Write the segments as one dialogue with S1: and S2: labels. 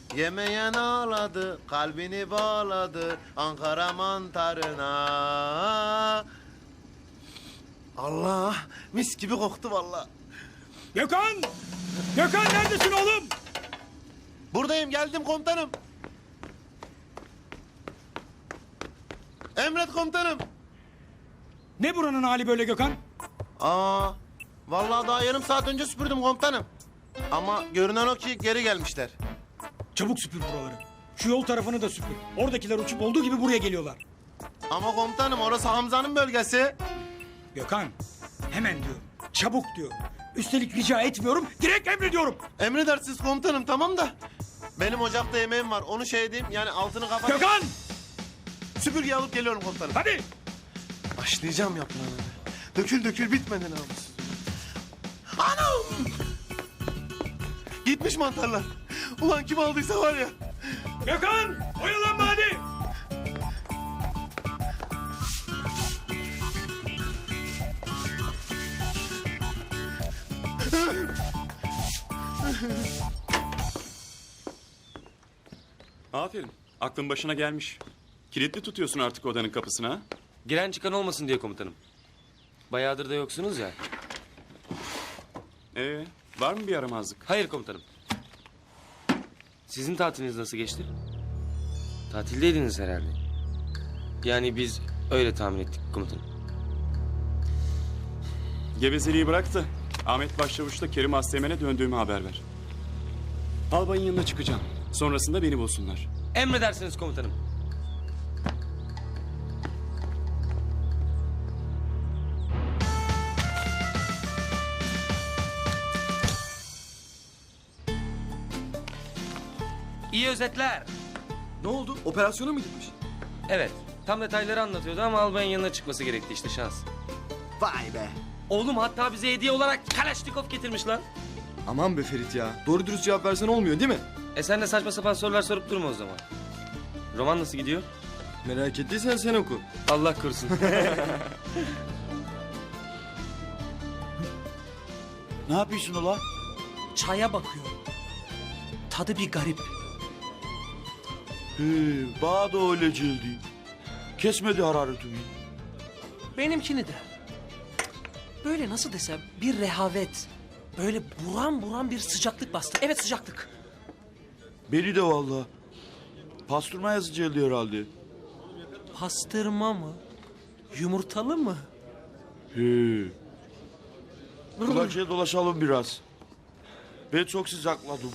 S1: Yemeyen ağladı, kalbini bağladı Ankara mantarına. Allah, mis gibi koktu vallahi.
S2: Gökhan! Gökhan neredesin oğlum?
S1: Buradayım, geldim komutanım. Emret komutanım.
S2: Ne buranın hali böyle Gökhan?
S1: Vallahi daha yarım saat önce süpürdüm komutanım. Ama görünen o ki geri gelmişler.
S2: Çabuk süpür buraları. Şu yol tarafını da süpür. Oradakiler uçup olduğu gibi buraya geliyorlar.
S1: Ama komutanım orası Hamza'nın bölgesi.
S2: Gökhan, hemen diyorum. Çabuk diyorum. Üstelik rica etmiyorum, direkt emrediyorum.
S1: Emredersiniz komutanım, tamam da. Benim ocakta yemeğim var, onu şey edeyim yani altını kapat.
S2: Gökhan!
S1: Süpürge alıp geliyorum komutanım.
S2: Hadi!
S1: Başlayacağım yaprağına. Dökül dökül bitmedi namus. Anam! Gitmiş mantarlar. Ulan kim aldıysa var ya.
S2: Gökhan! Oyalanma hadi!
S3: Aferin. Aklın başına gelmiş. Kilitli tutuyorsun artık odanın kapısını ha?
S4: Giren çıkan olmasın diye komutanım. Bayağıdır da yoksunuz ya.
S3: Var mı bir yaramazlık?
S4: Hayır komutanım. Sizin tatiliniz nasıl geçti? Tatildeydiniz herhalde. Yani biz öyle tahmin ettik komutanım.
S3: Gevezeliği bırak da Ahmet Başçavuş'la Kerim Asteğmen'e döndüğümü haber ver. Albayın yanına çıkacağım. Sonrasında beni bulsunlar.
S4: Emredersiniz komutanım. İyi özetler.
S5: Ne oldu? Operasyona mı gitmiş?
S4: Evet. Tam detayları anlatıyordu ama albayın yanına çıkması gerekti işte şans.
S5: Vay be.
S4: Oğlum hatta bize hediye olarak Kalaşnikov getirmiş lan.
S5: Aman be Ferit ya. Doğru dürüst cevap versen olmuyor değil mi?
S4: Sen de saçma sapan sorular sorup durma o zaman. Roman nasıl gidiyor?
S5: Merak ettiysen sen oku.
S4: Allah korusun.
S6: Ne yapıyorsun ulan?
S7: Çaya bakıyorum. Tadı bir garip.
S6: Bana da öyle geldi. Kesmedi hararetimi.
S7: Benimkini de. Böyle nasıl desem bir rehavet. Böyle buram buram bir sıcaklık bastı. Evet sıcaklık.
S6: Beni de vallahi. Pastırma yazı geldi herhalde.
S7: Pastırma mı? Yumurtalı mı?
S6: Kulakçıya dolaşalım biraz. Ben çok sıcakladım.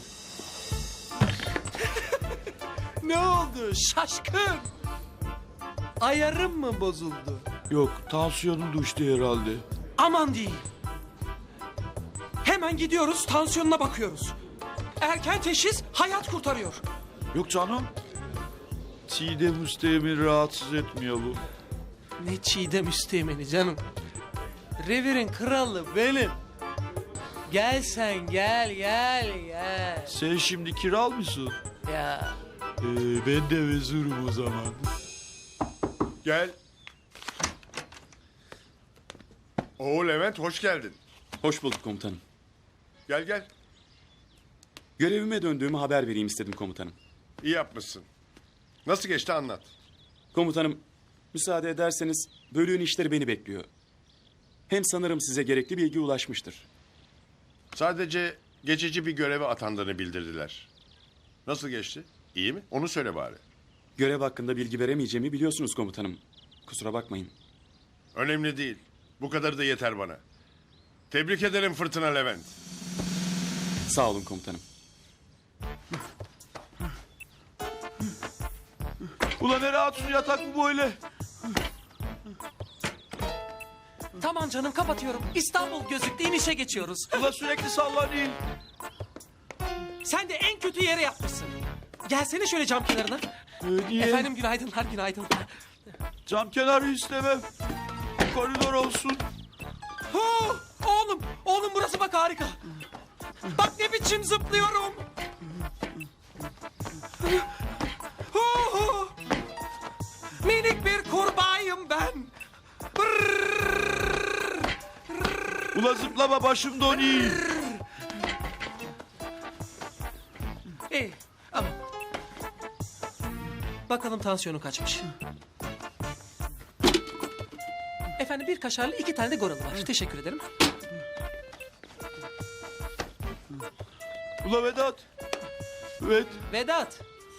S7: Ne oldu? Şaşkın. Ayarım mı bozuldu?
S6: Yok, tansiyonum düştü herhalde.
S7: Aman diyeyim. Hemen gidiyoruz tansiyonuna bakıyoruz. Erken teşhis hayat kurtarıyor.
S6: Yok canım. Çiğdem Üsteğmen'i rahatsız etmiyor bu.
S7: Ne Çiğdem Üsteğmen'i canım. Revirin kralı benim. Gel sen gel gel.
S6: Sen şimdi kiral mısın?
S7: Ya
S6: Ben de vezirim o zaman.
S8: Gel. Oo Levent hoş geldin.
S3: Hoş bulduk komutanım.
S8: Gel gel.
S3: Görevime döndüğümü haber vereyim istedim komutanım.
S8: İyi yapmışsın. Nasıl geçti anlat.
S3: Komutanım, müsaade ederseniz bölüğün işleri beni bekliyor. Hem sanırım size gerekli bilgi ulaşmıştır.
S8: Sadece geçici bir göreve atandığını bildirdiler. Nasıl geçti? İyi mi? Onu söyle bari.
S3: Görev hakkında bilgi veremeyeceğimi biliyorsunuz komutanım. Kusura bakmayın.
S8: Önemli değil. Bu kadar da yeter bana. Tebrik ederim Fırtına Levent.
S3: Sağ olun komutanım.
S6: Ulan ne rahatsız yatak bu böyle?
S7: tamam canım kapatıyorum. İstanbul gözüktü inişe geçiyoruz.
S6: Ulan sürekli sallanayım.
S7: Sen de en kötü yere yapmışsın. Gelsene şöyle cam kenarına.
S6: Niye?
S7: Efendim günaydınlar günaydın.
S6: Cam kenarı istemem. Koridor olsun.
S7: Oğlum burası bak harika. Bak ne biçim zıplıyorum. Minik bir kurbağayım ben.
S6: Ulan zıplama başım donuyor.
S7: İyi ama Bakalım tansiyonu kaçmış. Efendim bir kaşarlı 2 tane de goralı var. Teşekkür ederim.
S6: Ula Vedat. Evet.
S7: Vedat.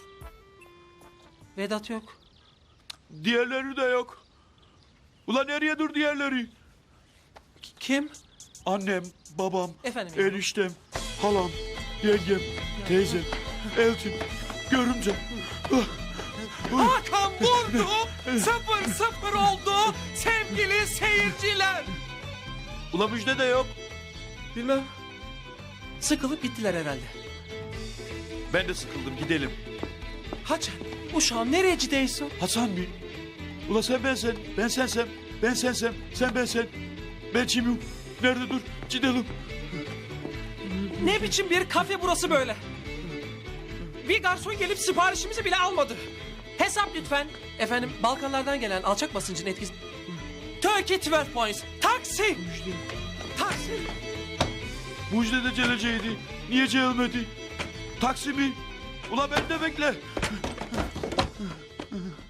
S7: Vedat yok.
S6: Diğerleri de yok. Ula nereye dur diğerleri?
S7: Kim?
S6: Annem, babam,
S7: Efendim ya?
S6: eniştem, halam, yengem, teyzem, eltim, görümcem.
S7: Hakan vurdu. 0-0 oldu. Sevgili seyirciler.
S6: Ula müjde de yok.
S7: Bilmem. Sıkılıp gittiler herhalde.
S6: Ben de sıkıldım, gidelim.
S7: Hacan, uşağım nereye gidiyorsun?
S6: Hasan mı? Ula sen bensen, ben sensem, ben sensem, sen bensen. Ben kimim? Nerede dur? Gidelim.
S7: Ne biçim bir kafe burası böyle? Bir garson gelip siparişimizi bile almadı. Hesap lütfen. Efendim Balkanlardan gelen alçak basıncın etkisi... Turkey 12 points. Taksi. Taksi.
S6: Müjde de geleceğiydi. Niye gelmedi? Taksi mi? Ula ben de bekle.